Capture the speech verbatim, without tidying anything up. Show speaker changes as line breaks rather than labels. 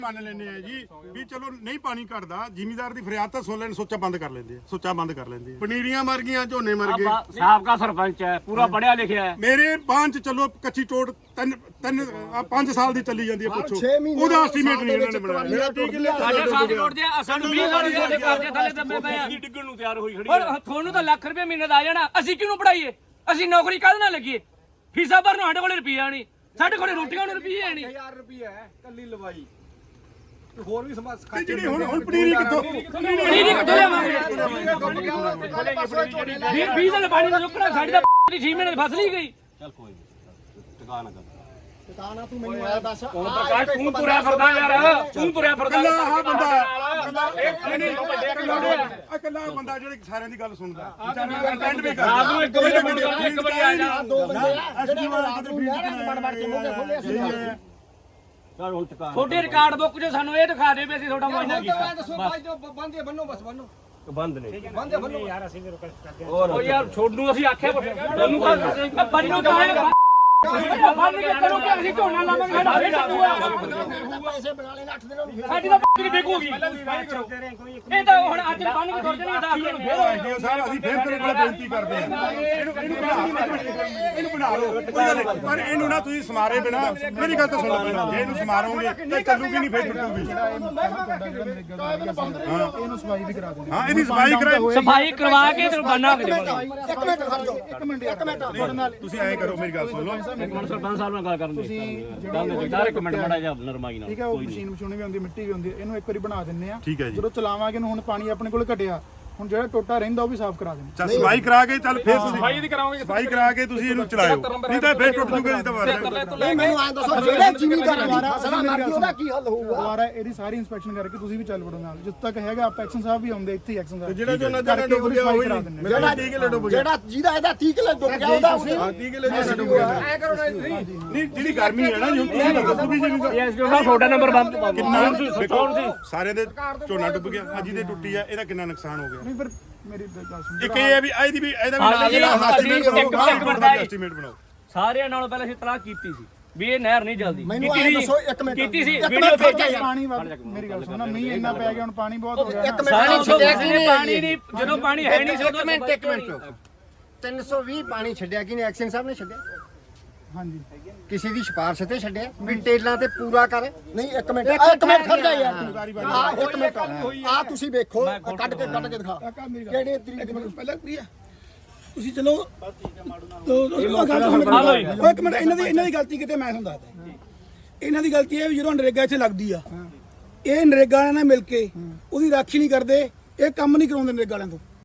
ਮੰਨ ਲੈਂਦੇ ਆ ਜੀ ਵੀ ਚਲੋ ਨਹੀਂ ਪਾਣੀ ਘਟਦਾ ਜ਼ਿਮੀਦਾਰ ਦੀ ਫਰਿਆਦ ਤਾਂ ਸੁਣ ਲੈਣ ਸੋਚਾ ਬੰਦ ਕਰ ਲੈਂਦੇ ਆ ਸੋਚਾ ਬੰਦ ਕਰ ਲੈਂਦੇ ਆ ਪਨੀਰੀਆਂ ਮਰ ਗਈਆਂ ਝੋਨੇ ਮਰ ਗਏ
ਸਾਬਕਾ ਸਰਪੰਚ ਹੈ ਪੂਰਾ ਪੜਿਆ ਲਿਖਿਆ ਹੈ
ਮੇਰੇ ਬਾਂਝ ਚਲੋ ਕੱਚੀ ਟੋੜ ਤਿੰਨ ਤਿੰਨ ਪੰਜ ਸਾਲ ਦੀ ਚੱਲੀ ਜਾਂਦੀ ਹੈ ਪੁੱਛੋ ਉਹਦਾ ਐਸਟੀਮੇਟ ਨਹੀਂ ਇਹਨਾਂ ਨੇ ਬਣਾਇਆ
ਸਾਡੇ ਸਾਥ ਰੋਡਦੇ ਆ ਸਾਨੂੰ ਵੀਹ ਸਾਲ ਦੇ ਸਾਡੇ ਕਰਦੇ ਥੱਲੇ ਦੱਬੇ ਪਏ ਆ ਡਿੱਗਣ ਨੂੰ ਤਿਆਰ ਹੋਈ ਖੜੀ ਹੈ ਤੁਹਾਨੂੰ ਤਾਂ ਲੱਖ ਰੁਪਏ ਮਹੀਨੇ ਦਾ ਆ ਜਾਣਾ ਅਸੀਂ ਕਿਹਨੂੰ ਪੜਾਈਏ ਅਸੀਂ ਨੌਕਰੀ ਕਾਹਦੇ ਨਾਲ ਲੱਗੀਏ ਫੀਸਾਂ ਭਰਨ ਸਾਡੇ ਕੋਲੇ ਰੁਪਈਆ ਨਹੀਂ ਸਾਡੇ ਕੋਲੇ ਰੋਟੀਆਂ ਨੂੰ ਰੁਪਈਏ ਨਹੀਂ
ਹਜ਼ਾਰ ਰੁਪਏ ਹੈ ਕੱਲੀ ਲਵਾਈ ਹੋਰ ਵੀ ਸਮਾਜ
ਜਿਹੜੀ ਹੁਣ ਹੁਣ ਪਨੀਰੀ ਕਿੱਥੋਂ
ਪਨੀਰੀ ਕਿੱਥੋਂ ਲਿਆਵਾਂਗੇ ਵੀਹ ਦਿਨ ਪਾਣੀ ਦਾ ਰੁਕਣਾ ਸਾਡੀ ਤਾਂ ਛੇ ਮਹੀਨੇ ਦੀ ਫਸਲ ਹੀ ਗਈ
ਚੱਲ ਕੋਈ ਟਿਕਾ ਨਾ ਕਰ
ਟਿਕਾਣਾ ਤੂੰ ਮੈਨੂੰ ਆ ਦੱਸ
ਹੁਣ ਪ੍ਰਕਾਸ਼ ਤੂੰ ਤੁਰਿਆ ਫਿਰਦਾ ਯਾਰ ਤੂੰ ਤੁਰਿਆ ਫਿਰਦਾ
ਕੱਲਾ ਆਹ ਬੰਦਾ ਇਕੱਲਾ ਬੰਦਾ ਜਿਹੜੇ ਸਾਰਿਆਂ ਦੀ ਗੱਲ ਸੁਣਦਾ ਕੰਟੈਂਟ ਵੀ ਕਰਦਾ
ਰਾਤ ਨੂੰ ਇੱਕ ਵਜੇ ਮੁੰਡਾ ਇੱਕ ਵਜੇ ਆ ਜਾ
ਦੋ ਬੰਦੇ ਆ ਜਿਹੜੇ ਰਾਤ ਨੂੰ ਵੜ ਵੜ ਕੇ ਮੂੰਹ ਖੋਲੇ ਅਸੀਂ
ਚੱਲ ਹੁਣ ਟਿਕਾ
ਛੋਟੇ ਰਿਕਾਰਡ ਬੁੱਕ 'ਚ ਸਾਨੂੰ ਇਹ ਦਿਖਾ ਦੇ ਵੀ ਅਸੀਂ ਤੁਹਾਡਾ ਮੁਆਇਨਾ ਕੀਤਾ
ਦੱਸੋ ਭਾਈ ਜੋ ਬੰਦੇ ਬੰਨੋ ਬਸ ਬੰਨੋ
ਬੰਦ ਨੇ
ਬੰਦੇ ਬੰਨੋ
ਯਾਰ ਅਸੀਂ ਵੀ ਕਰਦੇ ਉਹ ਯਾਰ ਛੋੜ ਨੂੰ ਅਸੀਂ ਆਖਿਆ ਤੁਹਾਨੂੰ ਤਾਂ ਬੰਨੋ ਤਾਂ ਹੈ ਬੰਨ ਕੇ ਕਰੋ ਕਿ ਅਸੀਂ ਝੋਨਾ ਲਾਵਾਂਗੇ ਸਾਡਾ ਫੇਰ ਚੱਲੂਗਾ
ਪੈਸੇ ਬਣਾ ਲੈਣ ਅੱਠ ਦਿਨਾਂ ਨੂੰ
ਸਾਡੀ ਤਾਂ ਬੱਕਰੀ ਵਿਕੂਗੀ ਇਹ ਤਾਂ ਹੁਣ ਅੱਜ ਬੰਨ ਕੇ ਤੁਰ ਜਣੀ ਦਸ ਦਿਨ ਫੇਰ
ਐਸਡੀਓ ਸਾਹਿਬ ਅਸੀਂ ਫੇਰ ਤੇਰੇ ਕੋਲ ਬੇਨਤੀ ਕਰਦੇ ਹਾਂ ਇਹਨੂੰ ਇਹਨੂੰ ਬਣਾ ਇਹਨੂੰ ਬਣਾ ਲਓ ਕੋਈ ਗੱਲ ਨਹੀਂ ਪਰ ਇਹਨੂੰ ਨਾ ਤੁਸੀਂ ਸਮਾਰੇ ਬਿਨਾ ਮੇਰੀ ਗੱਲ ਤਾਂ ਸੁਣੋ ਪਹਿਲਾਂ ਜੇ ਇਹਨੂੰ ਸਮਾਰੋਗੇ ਤਾਂ ਚੱਲੂਗੀ ਨਹੀਂ ਫੇਰ ਟੁੱਟੂਗੀ
ਇਹਨੂੰ ਸਫਾਈ ਵੀ ਕਰਾ ਦਿੰਦੇ
ਹਾਂ ਇਹਦੀ ਸਫਾਈ ਕਰਾਓ
ਸਫਾਈ ਕਰਵਾ ਕੇ ਤੇ ਬੰਨਾ ਕੇ ਦੇਵਾਂਗੇ
ਇੱਕ ਮਿੰਟ ਖੜ ਜਾਓ ਇੱਕ ਮਿੰਟ ਇੱਕ ਮਿੰਟ
ਤੁਸੀਂ ਐਂ ਕਰੋ ਮੇਰੀ ਗੱਲ ਸੁਣ ਲਓ
ਇੱਕ ਮਿੰਟ ਸਰਪੰਚ ਸਾਹਿਬ ਨਾਲ ਗੱਲ ਕਰਨ ਦੇ ਗੱਲ ਦੇ ਚਾਰ ਇੱਕ ਮਿੰਟ ਮੜਾ ਜਾ ਨਰਮਾਈ ਨਾਲ
ਠੀਕ ਹੈ ਉਹ ਮਸ਼ੀਨ ਮਸ਼ੂਨੀ ਵੀ ਹੁੰਦੀ ਮਿੱਟੀ ਵੀ ਹੁੰਦੀ ਇਹਨੂੰ ਇੱਕ ਵਾਰੀ ਬਣਾ ਦਿੰਨੇ ਆ
ਠੀਕ ਹੈ ਜੀ
ਜਦੋਂ ਚਲਾਵਾਂਗੇ ਨੂੰ ਹੁਣ ਪਾਣੀ ਆਪਣੇ ਕੋਲ ਘਟਿਆ ਹੁਣ ਜਿਹੜਾ ਟੋਟਾ ਰਹਿੰਦਾ ਉਹ ਵੀ ਸਾਫ਼ ਕਰਾ ਦੇਣਾ
ਚੱਲ ਸਫਾਈ ਕਰਾ ਕੇ ਚੱਲ ਫੇਰ ਤੁਸੀਂ ਸਫਾਈ ਦੀ ਕਰਾਓਗੇ ਸਫਾਈ ਕਰਾ ਕੇ ਤੁਸੀਂ ਇਹਨੂੰ ਚਲਾਇਓ ਨਹੀਂ ਤਾਂ ਫੇਰ ਟੁੱਟ ਜੂਗਾ ਜੀ ਦੁਬਾਰਾ
ਨਹੀਂ ਮੈਨੂੰ ਐਂ ਦੱਸੋ ਜਿਹੜੇ ਜ਼ਿਮੀਂਦਾਰ ਦੀ ਫਸਲਾਂ ਮਰ ਗਈ ਉਹਦਾ ਕੀ ਹੱਲ ਹੋਊਗਾ
ਦੁਬਾਰਾ ਇਹਦੀ ਸਾਰੀ ਇਨਸਪੈਕਸ਼ਨ ਕਰਕੇ ਤੁਸੀਂ ਵੀ ਚੱਲ ਵੜੋ ਨਾਲ ਜਿੱਦ ਤੱਕ ਹੈਗਾ ਆਪਾਂ ਐਕਸ਼ਨ ਸਾਹਿਬ ਵੀ ਆਉਂਦੇ ਇੱਥੇ ਐਕਸ਼ਨ ਸਾਹਿਬ
ਜਿਹੜਾ ਜੋ ਨਾ ਜਿਹੜਾ ਡੁੱਬ ਗਿਆ ਉਹ ਹੀ ਮੇਰਾ ਤੀਹ ਕਿਲੋ ਡੁੱਬ ਗਿਆ
ਜਿਹੜਾ ਜਿਹਦਾ ਇਹਦਾ ਤੀਹ ਕਿਲੋ ਡੁੱਬ ਗਿਆ ਉਹਦਾ ਅਸੀਂ
ਤੀਹ ਕਿਲੋ ਜਿਹੜਾ ਡੁੱਬ ਗਿਆ
ਐ ਕਰੋ ਨਾ ਤੁਸੀਂ
ਨਹੀਂ ਜਿਹੜੀ ਗਰਮੀ ਹੈ ਨਾ ਜੀ ਤੁਸੀਂ ਦੱਸੋ ਵੀ ਜੀ
ਐਸਡੀਓ ਸਾਹਿਬ ਤੁਹਾਡਾ ਨੰਬਰ ਬੰਦ
ਕਿੰਨਾ ਕੌਣ ਸੀ ਸਾਰਿਆਂ ਦੇ ਝੋਨਾ ਡੁੱਬ ਗਿਆ ਅੱਜ ਜਿਹਦੇ ਟੁੱਟੀ ਆ ਇਹਦਾ ਕਿੰਨਾ ਨੁਕਸਾਨ ਹੋ ਗਿਆ
ਨਹੀਂ ਫਿਰ ਮੇਰੀ ਗੱਲ ਸੁਣ
ਇੱਕ ਇਹ ਹੈ ਵੀ ਇਹਦੀ ਵੀ ਇਹਦਾ ਵੀ ਨਾਲ ਜਿਹੜਾ ਐਸਟੀਮੇਟ ਬਣਾਓ
ਸਾਰਿਆਂ ਨਾਲੋਂ ਪਹਿਲਾਂ ਅਸੀਂ ਤਲਾਕ ਕੀਤੀ ਸੀ ਵੀ ਇਹ ਨਹਿਰ ਨਹੀਂ ਜਲਦੀ
ਮੈਨੂੰ ਐਂ ਦੱਸੋ ਇੱਕ ਮਿੰਟ
ਕੀਤੀ ਸੀ
ਇੱਕ
ਵੀਡੀਓ
ਮਿੰਟ ਖੜ ਜਾ
ਭੇਜੀ
ਯਾਰ
ਪਾਣੀ ਵੱਧ ਮੇਰੀ ਗੱਲ ਸੁਣੋ ਮੀਂਹ ਇੰਨਾ ਪੈ ਗਿਆ ਹੁਣ ਪਾਣੀ ਬਹੁਤ ਹੋ ਗਿਆ
ਇੱਕ
ਸਾਰੀ
ਮਿੰਟ
ਛੱਡਿਆ ਕਿ ਪਾਣੀ ਨਹੀਂ ਜਦੋਂ ਪਾਣੀ ਹੈ ਨਹੀਂ
ਇੱਕ ਮਿੰਟ ਇੱਕ ਮਿੰਟ ਤਿੰਨ ਸੌ ਵੀਹ ਪਾਣੀ ਛੱਡਿਆ ਕਿ ਨੇ ਐਕਸ਼ਨ ਸਾਹਿਬ ਨੇ ਛੱਡਿਆ
ਹਾਂਜੀ
ਕਿਸੇ ਦੀ ਸਿਫਾਰਿਸ਼ ਤੇ ਛੱਡਿਆ ਵੀ ਟੇਲਾਂ ਤੇ ਪੂਰਾ ਕਰ ਨਹੀਂ ਇੱਕ ਮਿੰਟ ਇੱਕ ਮਿੰਟ ਖੜ ਜਾ ਯਾਰ ਆ ਇੱਕ ਮਿੰਟ ਆ ਤੁਸੀਂ ਵੇਖੋ ਕੱਢ ਕੇ ਕੱਢ ਕੇ ਦਿਖਾ ਕਿਹੜੇ ਤਰੀਕੇ ਨਾਲ
ਪਹਿਲਾਂ ਪ੍ਰਿਆ ਤੁਸੀਂ ਚਲੋ ਉਹ ਇੱਕ ਮਿੰਟ ਇਹਨਾਂ ਦੀ ਇਹਨਾਂ ਦੀ ਗਲਤੀ ਕਿਤੇ ਮੈਂ ਤੁਹਾਨੂੰ ਦੱਸਦਾ ਇਹਨਾਂ ਦੀ ਗਲਤੀ ਇਹ ਵੀ ਜਦੋਂ ਨਰੇਗਾ ਇੱਥੇ ਲੱਗਦੀ ਆ ਇਹ ਨਰੇਗਾ ਵਾਲਿਆਂ ਨਾਲ ਮਿਲ ਕੇ ਉਹਦੀ ਰਾਖੀ ਨਹੀਂ ਕਰਦੇ ਇਹ ਕੰਮ ਨਹੀਂ ਕਰਾਉਂਦੇ ਨਰੇਗਾ ਵਾਲਿਆਂ ਤੋਂ